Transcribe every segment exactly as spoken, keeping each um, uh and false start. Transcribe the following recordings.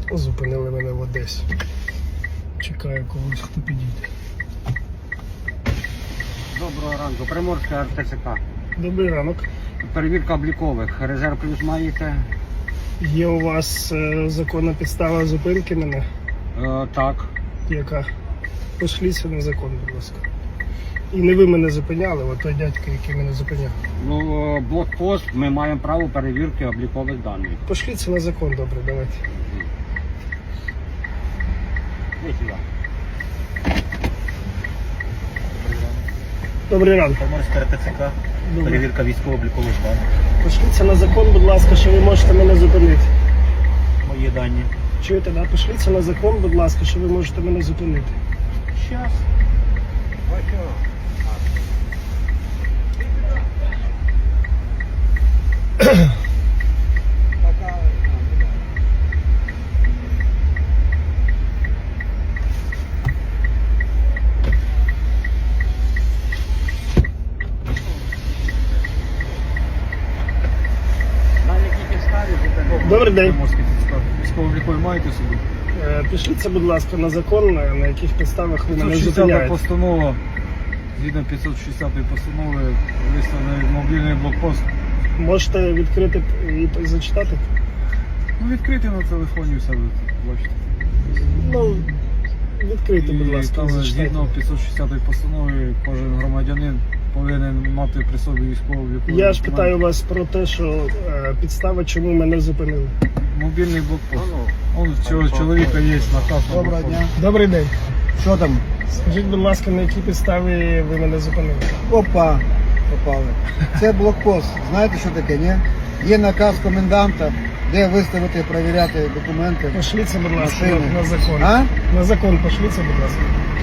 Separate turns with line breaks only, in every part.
Зупинили мене в Одесі. Чекаю когось, хто підійде.
Доброго ранку. Приморська ар те це ка.
Добрий ранок.
Перевірка облікових. Резерв плюс маєте?
Є у вас е, законна підстава зупинки мене?
Е, так.
Яка? Пошліться на закон, будь ласка. І не ви мене зупиняли, а той дядько, який мене зупиняв.
Ну, е, блокпост, ми маємо право перевірки облікових даних.
Пошліться на закон, добре, давайте.
Ось сюди.
Добрий ранок.
Приморська ар те це ка.
Добре.
Перевірка військово-облікових даних.
Пошліться на закон, будь ласка, що ви можете мене зупинити.
Мої дані.
Чуєте, да? Пошліться на закон, будь ласка, що ви можете мене зупинити.
Щас.
На якій підставі зупинили?
Добрий день.
Приморська ар те це ка. Військово-облікові маєте собі?
Е, Пішліться, будь ласка, на закон, на на яких підставах ви мене
п'ятсот шістдесята
зупиняєте.
постанова. Згідно п'ятсот шістдесятої постанови виставлений мобільний блокпост.
Можете відкрити і зачитати?
Ну, відкрити на телефоні все ви бачите.
Ну, відкрийте, будь
І
ласка,
там
і зачитайте.
згідно п'ятсот шістдесятої постанови кожен громадянин повинен мати при собі військово-облікові
Я ж
документи.
питаю вас про те, що е, підстава, чому мене зупинили.
Мобільний блокпост. Он в цього чоловіка є наказ. на
Доброго
блокпост.
дня.
Добрий день.
Що там?
Скажіть, будь ласка, на якій підставі ви мене зупинили?
Опа, попали. Це блокпост. Знаєте, що таке, ні? Є наказ коменданта, де виставити, перевіряти документи.
Пошліться, будь ласка,
Машини.
на, на закон.
А?
На закон пошліться, будь ласка.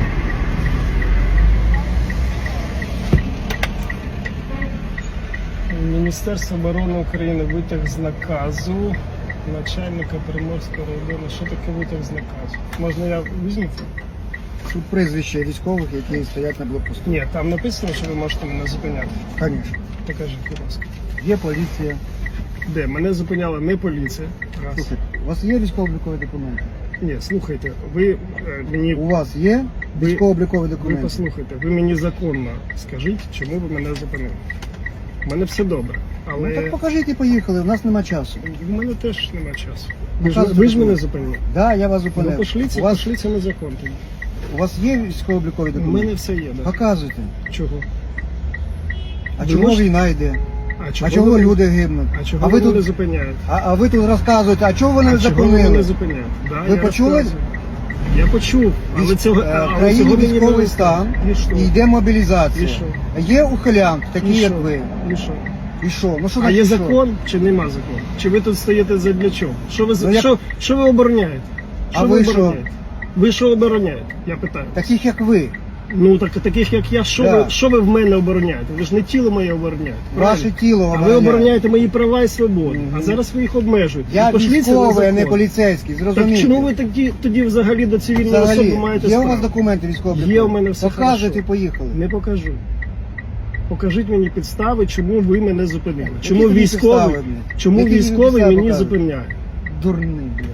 Міністерство оборони України витяг з наказу начальника Приморського району. Що таке витяг з наказу? Можна я візьму?
Тут прізвище військових, які стоять на блокпосту.
Ні, там написано, що ви можете мене зупиняти.
Звісно.
Покажіть, будь ласка.
Є поліція.
Де? Мене зупиняла не поліція. Раз.
Слухайте, у вас є військово-облікові документи?
Ні, слухайте, ви е, мені
У вас є
Ви-
військово-облікові
ви
документи?
послухайте, ви мені законно скажіть, чому ви мене зупинили. У мене все добре, але
Ну так покажіть і поїхали, у нас нема часу.
в мене теж немає часу. Ви ж,
Показуйте
ви ж мене
документи.
зупинили.
Да, я вас
Ну
зупинив.
пошліться,
у, вас,
пошліться на закон тоді.
у вас є військово-облікові
У
документи?
мене все є, да.
Показуйте.
Чого?
А
Ви
чому
можете-
війна йде?
А чого,
А чого
ви-
люди гибнуть?
А чого
а
ви
ви
мене
тут
зупиняєте?
А, а ви тут розказуєте, а чого ви не
А чого ви мене
зупинили?
зупиняєте? Да,
Ви
я
почули?
розказую. Я почув, але
Військ-
цього,
е,
але
В країні
цього мені не
військовий
вистачає.
стан
І що?
і йде мобілізація.
І що?
Є ухилянт, такі
І
як
що?
ви.
І що?
І що? Ну що
А
таке,
є
що?
закон чи нема закону? Чи ви тут стоїте задля чого? Що ви,
Ну, як-
що, що ви обороняєте?
А
Що
ви що?
обороняєте? Ви що обороняєте? Я питаю.
Таких як ви.
Ну так таких як я, що,
Да.
ви, що ви в мене обороняєте? Ви ж не тіло моє обороняєте.
Ваше
правильно?
тіло
А ви
обороняє.
обороняєте мої права і свободи.
Мгм.
А зараз ви їх обмежуєте.
Я
І пошліться на
військовий, а не
закон.
поліцейський,
Так
зрозумійте.
чому ви тоді, тоді взагалі до цивільної
Взагалі,
особи маєте
є у
справу?
вас документи військово-облікові?
Є у мене все
Показуйте
хорошо.
і поїхали.
Не покажу. Покажіть мені підстави, чому ви мене зупинили.
Які
Чому
тобі
військовий,
підстави, блядь?
чому
Які тобі
військовий
підстави
мені
показують?
зупиняє?
Дурний, блядь.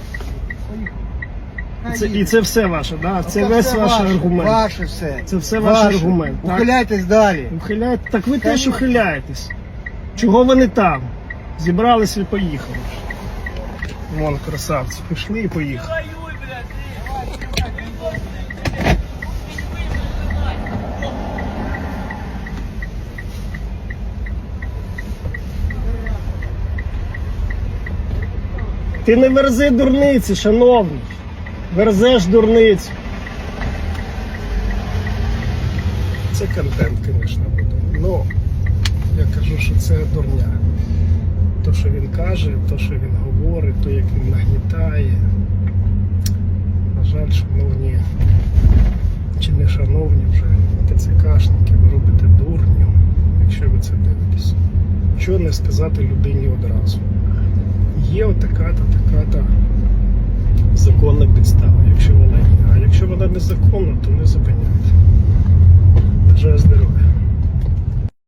Це, і це все ваше, да? Це
Це
весь
все
ваш
ваше,
аргумент.
Ваше все.
Це все ваш
Ваше.
аргумент, так?
Ухиляйтесь далі.
Ухиляєте? Так ви теж
Конечно.
ухиляєтесь. Чого ви не там? Зібрались і поїхали. Вон красавці, пішли і поїхали. Ти не верзи дурниці, шановний. Верзеш дурницю. Це контент, звісно, буде. Ну, я кажу, що це дурня. То, що він каже, то, що він говорить, то, як він нагнітає. На жаль, шановні, чи не шановні вже ТЦКшники, ви робите дурню, якщо ви це дивитесь. Що не сказати людині одразу? Є отака-то, така-то законна підстава, якщо вона є. А якщо вона незаконна, то не зупиняйте. Бажаю здоров'я.